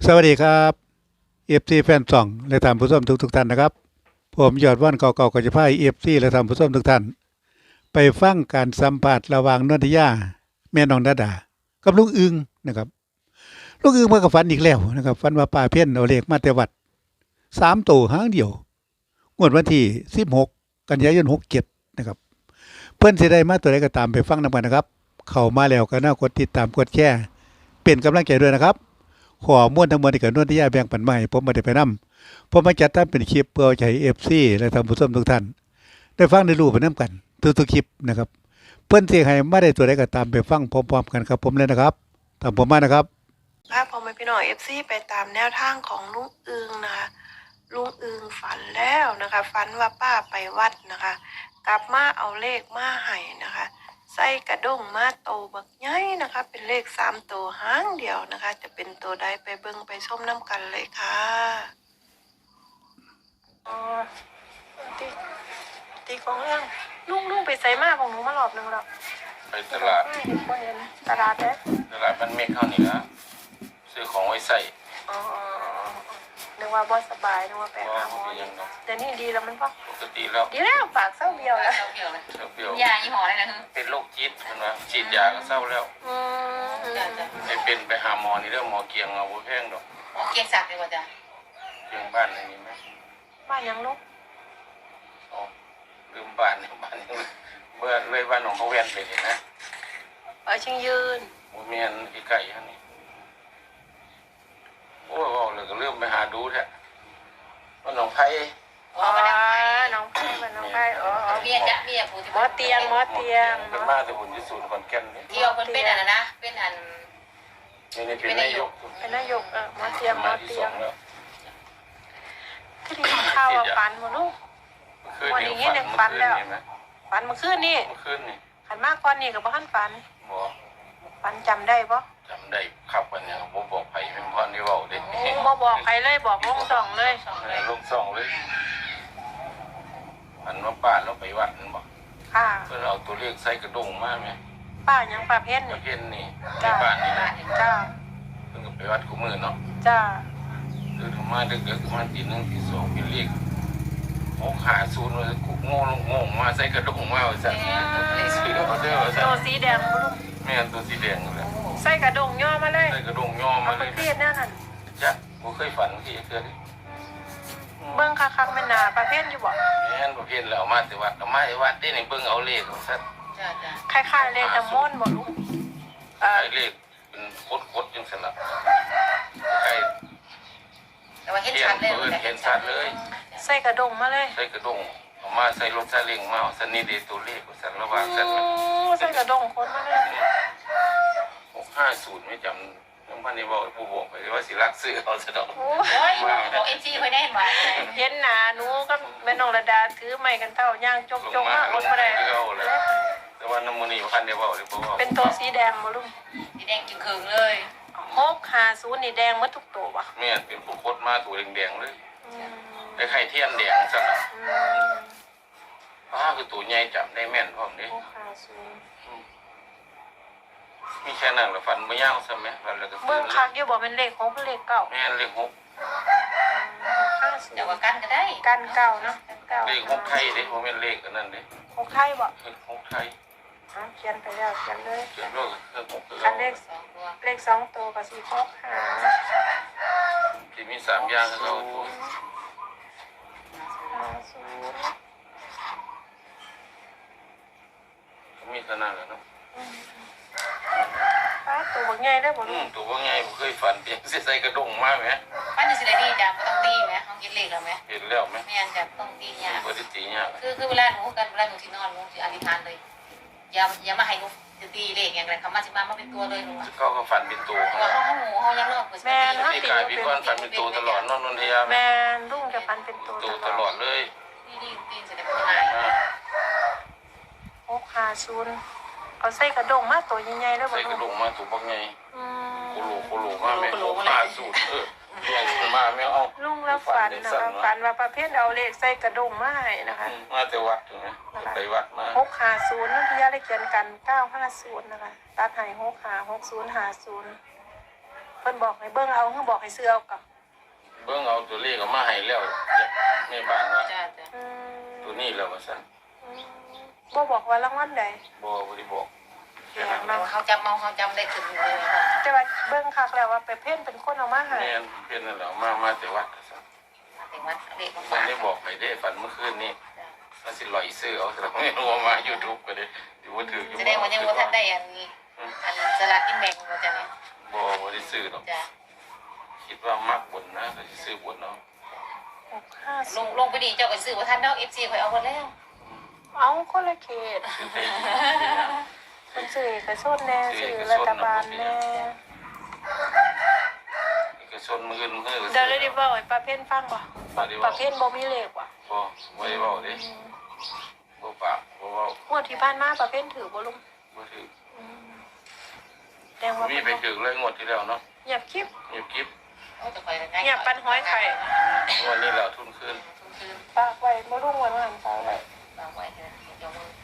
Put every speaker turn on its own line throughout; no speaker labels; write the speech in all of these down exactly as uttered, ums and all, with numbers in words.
สวัสดีครับเอฟซีแฟนส่องและท่านผู้ชมทุกทุกท่านนะครับผมยอดว่านเก่าๆก็จะพาเอฟซีและท่านผู้ชมทุกท่านไปฟังการสัมภาษณ์ระหว่างนนทิยาแม่น้องดาดากับลุงอึงนะครับลุงอึงมากับฝันอีกแล้วนะครับฝันว่าป้าเพี้ยนเอาเลขมาแต่วัดสามตัวหางเดียวงวดวันที่สิบหกกันยายนหกเจ็ดนะครับเพื่อนสิได้มาตัวใดก็ตามไปฟังนำกันนะครับเข้ามาแล้วก็น่ากดติดตามกดแชร์เป็นกำลังใจด้วยนะครับขอม้วนทั้งหมดที่เกิดนวดที่ย่าแบ่งปันมาให้ผมมาได้ไปนำผมมาจัดทำเป็นคลิปเพื่อใช้ เอฟ ซี และท่านผู้ชมทุกท่านได้ฟังได้รู้ไปนำกันทุกๆคลิปนะครับเพิ่นสิให้มาได้ตัวใดก็ตามไปฟังพร้อมๆกันครับผมเลยนะครับตามผมมานะครับ
ภาพพอมาพี่หน่อยเอฟซีไปตามแนวทางของลุงอึงนะคะลุงอึงฝันแล้วนะคะฝันว่าป้าไปวัดนะคะกลับมาเอาเลขมาให้นะคะใส่กระด้งมาโตบักใหญ่นะคะเป็นเลขสามตัวหางเดียวนะคะจะเป็นตัวใดไปเบิ่งไปชมน้ำกันเลยค่ะอ๋อตีตีของเรื่องลุงลุงไปใส่มาของหนูมารอบหนึ่งแล้ว
ไปตลาด
ไม่เห็นบ่เห็นตลาดเด้
ตลาดมันเมฆเข้านี่ละซื้อของไว้ใส่
อ๋อนึกว่าบ่สบายนึกว่าไปหาหมอแต่นี่ดีแล้วมันพอ
ปกติแล้ว
ดีแล้วปากเศร้าเบี้ยวแล้ว
เศร้าเบี้ยวเลย
เศร้าเบี้ยวย
ายี่ห้ออะไรนะฮึ
เป็นโรคจิตมันว่าฉีดยาก็เศร้าแล้ว
อืม
ไปเป็นไปหาหมอนี่เรื่องหมอเกียงเอาบ่แพงดอก
หมอเกียงศักดิ์เลยว่าจ้ะ
เกียงบ้านอะไรนี่ไหม
บ้านยังลูก
อ๋อลืมบ้านนี่บ้านนี่เมื่อเลยบ้านของเขาแวนไปนี่นะ
เออชิงยืน
โมเมียนอีไก่ฮะนี่โอ้ยว่าเลยก็เริ่มไปหาดูแท้ว่าหนองไผ่
อ๋อน้องไผ่บ้านน้องไผ่อ๋อ
เมียจ้ะเมียผู้ที่
หมอเตียงหมอเตียง
เป็นมาแต่หุ่นที่ศูนย์ขอนแก่นนี่
ที่เอาเป็นเป็นอันนั้นนะเป็นอัน
นี่นี่เป็นนายก
เป็นนายกเออหมอเตียงหมอเตียงที่ดีข้าวฝันหมดลูกวันนี้เนี่ยฝันแล้วฝันเมื่อคืนนี่
เมื่อคืนนี่
ขันมากก่อนนี่กับบ้านฝัน
บ่
ฝันจำได้ปะ
จำได้ครับวันนี้ผมบอกไผ่เป็นพ่อที่ว่าเด็ก
บ่บอกใครเลยบอกลุงสองเลย
ลุงสองเลยอันว่าป้าเราไปวัดนั่นบอก
ค่ะ
เพื่อเอาตัวเลขใส่กระดงมาไหม
ป้ายังป้าเพ้น
ป้าเพ้นนี่ในบ้านนี่นะ
จ้า
เพิ่งไปวัดคู่มือเนาะ
จ้า
เดินมาเด็กๆมาตีหนึ่งตีสองเป็นเลขหกขาศูนย์เลยกุ๊กโง่ลงงงมาใส่กระดงมาเอาสั่สีเอาเสื้อเอาสั่
ตัวสีแดงลูก
ไม่อันตัวสีแดงเลย
ใส่กระดงย่อมาเลย
ใส่กระดงย่อมาเลย
เครียดแน่นั่น
จ้ะผมเคยฝันที่เคย
เบิ้งคักๆไม่นาประเภทอยู่บ่
แม่นประเภทแล้วมาแต่วัดเอามาแต่วัดได้ในเบิ้งเอาเลขของสัตว์
คล้ายๆเลขน้ำมนต์บ่ลูก
เออเลขเป็นโคตรๆจังสลับใช่
แต่ว่าเห็นชัดเลย
เห็นชัดเลย
ใส่กระดงมาเลย
ใส่กระดงเอามาใส่รถซาเล้งมาสันนี่เดตัวเลขสันระหว่างสัน
ใส่กระดงคนมาเลย
หกห้าศูนย์ไม่จำน้องพันนี่บอกผู้บอกไปว่าสิรักซื้อเอาซะดอก
โอ้ยบอกเอ็นจีไปได้ไหม
เห็นหนาหนูก็แม่นองระดาถือไม้กันเท่าย่างจกจกมากคนมาได้
แต่ว่าน้ำมันนี่พันนี่บอกเลยเพราะว่า
เป็นตัวสีแดงบ่ลุง
สีแดงจึงเคืองเลย
หกห้าศูนย์นี่แดงหมดทุกตัวป่ะ
แม่เป็นผู้โคตรมาตัวแดงๆเลยไอ้ไข่เทียนแดงซะนะป้าคือตัวใหญ่จำได้แม่นพร้อมนี้มีแค่นั้นหรือฟันไม่ยาวใช่ไหมฟันแล้วก็
เบื้องคักอยู่บอกเป็นเลขหกเลขเก้า
แม่เลขหก
แต่ว่ากันก็ได้
กันเก้าเนาะ
เลขหกไทยเด้ผมเป็นเลขอันนั้นเด้
หกไทยบ่
หกไทย
เขียนไปแล้วเขียนเลย
เขียนด้วยเครื่องหก
กันเลขเลขสองตัวกับสี่หกหา
ที่มีสามอย่างก็เราตัวมีขนาดแล้วเนาะ
ป้าตัวบางใหญ่ได้บ่ลูก
ตัวบางใหญ่ผมเคยฝันเพียงใส่กระดงมากไหม
ป้าจะสิได้ดีจ้ะต้องตีไหมต้องกินเลขแล้วไหม
เห็นแล้วไหม
ไม่อันจะต้องตีเนี่ย
ปกติเนี่ย
คือคือเวลาหนูกันเวลาหนูที่นอนหนูจะอธิษฐานเลยอย่าอย่ามาให้หนูจะตีเลขอย่างไรคำมาสิมามาเป็นตัวเลยหนู
เขาก็ฝันเป็นตัว
เขาเขาหมูเขายังเลิก
แม่
เขาตีกายพี่ก้อนฝันเป็นตัวตลอดนอนนนทยา
แม่ลุงจะฝันเป็นตัว
ตัวตลอดเลย
ตีดีตีจะได้เป็นยังไง
หกห้าศูนย์เอาใส่กระดงมาตัวใหญ่ๆแล้วบ่
ใส่กระดงมาตัวบักใหญ่โคโลโคโลมาแม่โคมาสูตรเออใหญ่มาแม่เอา
ลุงแล้วฝันนะคะฝันว่าประเภทเอาเลขใส่กระดงมาให้นะคะ
มาแต่วัดนะไปวัดมา
หกห้าศูนย์นั่นพี่ยาได้เขียนกันเก้าห้าศูนย์นะคะตัดให้หกห้าหกศูนย์ห้าศูนย์พอพิ่นบอกให้เบิ่งเอาเพิ่นบอกให้ซื้อเอากับ
เบิ่งเอาตัวเลขก็มาให้แล้วแม่บ้านว่า
จ้าจ้า
อืม
ตัวนี้แล้วว่าซั่น
อืมบ่บอกว่ารางวัลใด
บ่บ่ได้บอก
แปลกเนาะ
เขาจำเมาเขาจำได้ถึงเลยค่ะ
แต่ว่าเบิ่งคักแล้วว่าไปเพ่นเป็นคนเอามาให้
แม่นเพิ่นนั่นแหละมามาแต่วัดว่าซั่น
เด็กวัดเด็กมา
มั
ฝาน ก
ได้บอกไปได้ฝันเมื่อคืนนี้ว่าสิลอยซื้อเอาแต่ไม่รู้ว่ามา YouTube ก็ได้อยู่ว่าถืออยู่
แสดงว่ายังว่าท่านได้อันอันสลากกินแบ่งว่าจ้ะเนี่ย
บ่บ่ได้ซื้อหรอก
จ้า
คิดว่ามักบุญนะก็สิซื้อบุญเนาะ
หกห้า
ล
ศู
ง
นย์
ลงไปดีเจ้าก็ซื้อว่าท่านเนาะเอฟซีคอยเอาหมดแล้ว
เอาคนละเขต
ซื้อไปดี
คนสื่อเอกชนแน่สื่อรัฐบาลแน่
เอกชนมื้ออื่นมื้อก็
เดี๋ยวเลยดิบอกไอ้ประเภทฟังบ่
บ่ได้
ป
เว้า
ระเภทบ่มีเลขว่ะ
บ่บ่ได้เว้าเด้บ่ปากบ่เว้าง
วดที่ผ่านมาประเภทถือบ่ลุง
บ่ถือ
อืมแดงว่า
มีไปถือเลยงวดที่แล้วเนาะ
เงียบคลิป
เงียบกิ๊บ
โอ้จะคอยกันง่าย
เงียบปันห้อยไข่
งวดนี้แล้วทุนคืน
คือ
ฝากไว้บ่ลุงไว้มาหันฝากไว้
วางไว้เถอะเดี๋ยวมือ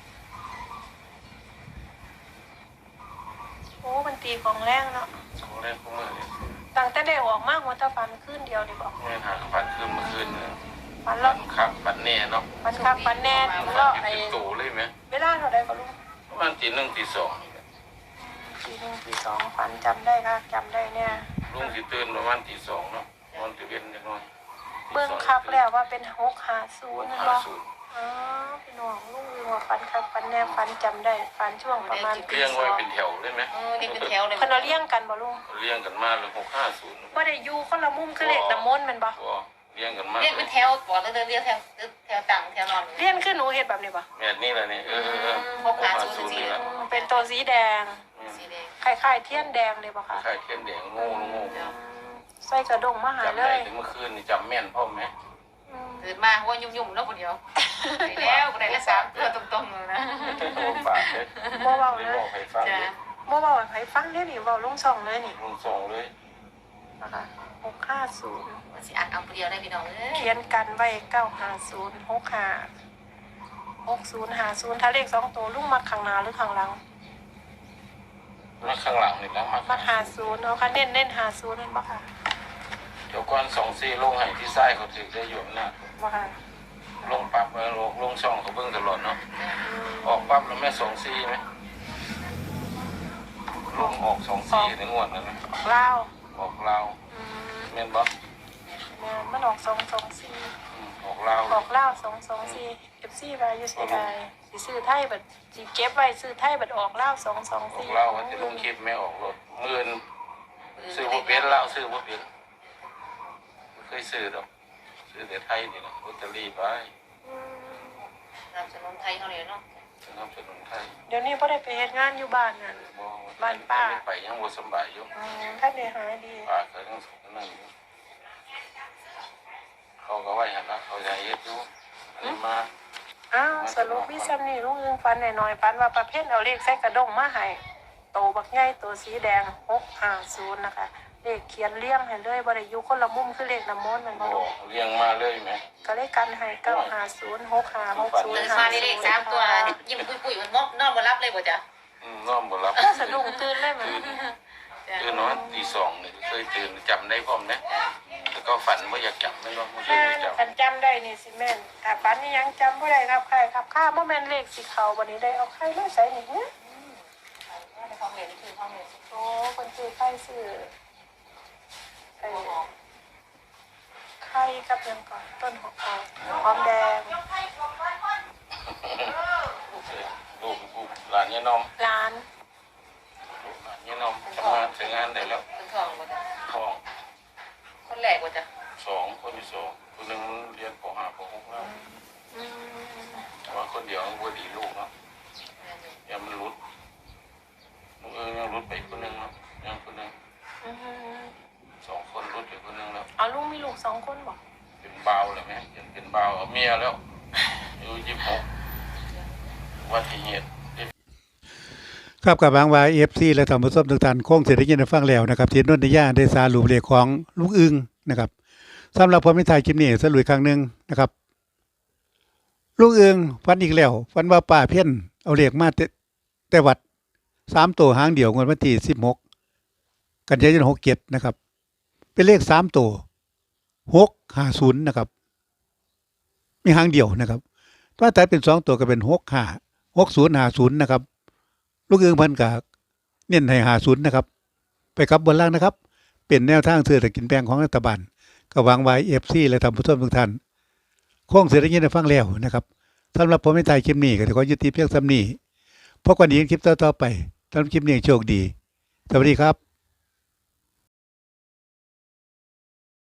โอ้มันตีของแรงเนาะ
ของแรกของมื้อนี่
ตั้งแต่ได้ออกมาหัวตะฟันขึ้นเดียวนี่บอก
แม่นหาฝันคืนเมื่อคืนนึง
ฟัน
ฝั
แล้ว
นคักฝันแน่เนาะ
ฟันคักฟันแน่ถึง
ฝั
แล้ว
น
ไอ้
เป็นโตเลยไหม
เวลาเท่าใดบ่ลุง
ประมาณตีหนึ่งตีสอง
ทีหนึ่งทีสองฟันจำได้ค่ะจำได้เนี่ย
ลุงสิตื่นประมาณตีสองเนาะนอนตื่นเย็นนิดหน่อย
เบิ่งคักแล้วว่าเป็นหกห้าศูนย์นั่น
ห้า
บ่
ศูนย์
อ๋อพี่น้องลุงว่าฟันคักฟันแน่ฟันจำได้ฟันช่วงประมาณตี
เลี้ยง
ส
ไว้
อง
เป็นแถวเลยไหม
เออนี่เป็นแถวเลย
เพิ่นเอาเลี้ยงกันบ่ลุง
เลี้ยงกันมาเลยหกห้าศูนย์
บ่ได้อยู่คนละมุมคือเลขน้ำมนต์แม่นบ่
ก็เลี้ยงกันมา
เรียกเป็นแถวบอกเลยเรียกแถวแถวต่างแถวนอน
เลี้ยงคือหนูเฮ็ดแบบนี้บ่
แม่นี่แหละนี่เออเออเออ
หกห้าศูนย์
นี่แหละ
อืมเป็นตัวสีแดง
สีแดง
คล้ายๆเทียนแดงเลยบ่ค่ะ
ไข่เทียนแดงโง่โง่
อืมใส่กระดงมาหา
จำ
เล
ได้
ย
ถึงเมื่อคืนนี่จำแม่นพ่อไหม
อืม
ตื่นมาว่ายุ่มๆแล้วคนเดียวไปแล้วไปแล้วสามตัวตรงๆเลยนะ
โอ้ปากเลย
บ่เว้า
ไม่
เลย
บอกใครฟัง
จ้า
เลย
บ่เว้าให้ไผฟังเด้อนี่เว้าลงช่องเลยนี่
ลุงส่งเลย
นะคะหกห้าศูนย์
สิอัดเอาเดียวได้พี่น้องเอ้ย
เขียนกันไว้เก้าห้าศูนย์หกห้าหกศูนย์ห้าศูนย์ถ้าเลขสองตัวลุงมักข้างหน้าหรือข้างหลัง
มาข้างหลังนี่แล้วมา
มักห้าศูนย์เอาค่ะเน้นเน้นห้าศูนย์นั่นบ่ค่ะ
เดี๋ยวก่อนสองซี่ลงให้ที่ไส้เขาถึงได้อยู่นะ
บ่ค่ะ
ลงปั๊บแล้วลงลงช่องเขาเบิ่งตลอดเนาะ
อืม
ออกปั๊บแล้วแม่สองซี่ไหมลงออกสองซี่ในงวดนั้นนะ
ลาว
ออกลาว
อืม
แม่นบ่
แม่นมันออกสองสองสี่
อืมออกลาว
ออกลาวสองสองสี่เอฟซีไปอยู่เสียดายสิซื้อไทยบัดสิเก็บไว้ซื้อไทยบัดออกลาวสองสอง
ออก
สี่
ลาวว่าจะลงคลิปไม่ออกรถหมื่นซื้อบ่เป็นลาวซื้อบ่เป็นบ่เคยซื้อดอกซื้อแต่ไทยนี่แหละลอตเตอรี่ไป
อืม
นำสนุนไทยเขาเลยเนาะ
สนับสนุนไทย
เดี๋ยวนี้พ่ได้ไปเฮ็ดงานอยู่บ้านนั่น
บ่
บ้านป้า
ไปยังบ่สำบายอยู่
อืมท่านได้หายดี
ป้าก็ยังสุขนั่นอยู่เขาก็ไว้หั่นละเขาจะเฮ็ดอยู่อันนี้มา
อ้าวสรุปพี่ซัมนี่ลุงอึงฟันหน่อยๆฟันว่าประเภทเอาเลขใส่กระดงมาให้โตบักใหญ่ตัวสีแดงหกห้าศูนย์นะคะเลขเขียนเลี้ยงให้เลยบ่ได้อยู่คนละมุมคือเลขน้ำมนต์มันบ่
บ่
ลูก
เลี้ยงมาเลยแหม
ก็เลขกันให้เก้าห้าศูนย์หกห้าหกศูน
ตื่
ย์
น
ห้า
มา
ศูนย์
เลขสามตัวยิ้มปุ้ยๆมันมอกนอนบ่รับเลยบ่จ้ะ
อืมนอนบ่หลับ
สะดุ้งตื่นเลยมัน
ตื่นนอนตีสองนี่เคยตื่นจำได้พร้อมนะแล้วก็ฝันว่าอยากจำไม่รู้ไม่เคย
แม่น
จำ
คันจำได้นี่สิแม่นถ้าฝันนี่ยังจำบ่ได้ครับใครครับข้าบ่แม่นเลขสิเข้าบัดนี้ได้เอาใครมาใส่นี่เนี่ย
ในห้องเรียนนี่คือห้องเรียน
โอ้คนซื้อไข่ซื้อไอ้ไข่กับหยังก่อนต้นหอมหอมแดง
ลูกลูกหลานยายนอม
ร้าน
ลูกหลานยายนอมทำงานถึงงานได้แล้ว
เป็นทองบ่จ้ะ
ท้อง
คนแรกบ่จ้ะ
สองคนที่สองคนหนึ่งเรียนปห้าปหกแล้ว
อืม
แต่ว่าคนเดียวมันบ่ดีลูกเนาะยังมันรุดมึงเออยังรุดไปคนหนึ่งเนาะยังคนหนึ่ง
อืม
สองคนรุดไปคนหนึ่งแล้ว
เอาลุงมีลูกสองคนบ่
เป็นเบาวเลยไหมยังเป็นเบาวเอาเมียแล้วอายุยี่สิบหกวัติเหตุ
ครับกับบางวายเอฟซีและท่านผู้ชมทุกท่านคงเสร็จได้ยินได้ฟังแล้วนะครับที่นนทยาได้สารุปเลขของลุงอึงนะครับสำหรับผมในถ่ายคลิปนี้สรุปอีกครั้งหนึงนะครับลุงอึงฟันอีกแล้วฟันว่าป้าเพ่นเอาเลขมาแต่แต่วัดสามตัวหางเดียวงวดวันที่สิบหกกันยายนหกเจ็ดนะครับ เป็นเลขสามตัวหกห้าศูนย์นะครับ มีหางเดียวนะครับถ้าตัดเป็นสองตัวก็เป็นหกห้าหกศูนย์ห้าศูนย์นะครับ ลูกเอืองพันกากเน้นให้ห้าศูนย์นะครับ ไปกับบนล่างนะครับ เป็นแนวทางซื้อแต่กินแปลงของรัฐบาลก็วางไว้เอฟซีและทำผู้ชมทุกท่านโค้งเสร็จแล้วยินได้ฟังแล้วนะครับสำหรับผมไม่ตายคลิปนี้ก็ขอยุติเพียงซ้ำนี้พบกันอีกคลิปต่อๆไปสำหรับคลิปนี้โชคดีสวัสดีครับ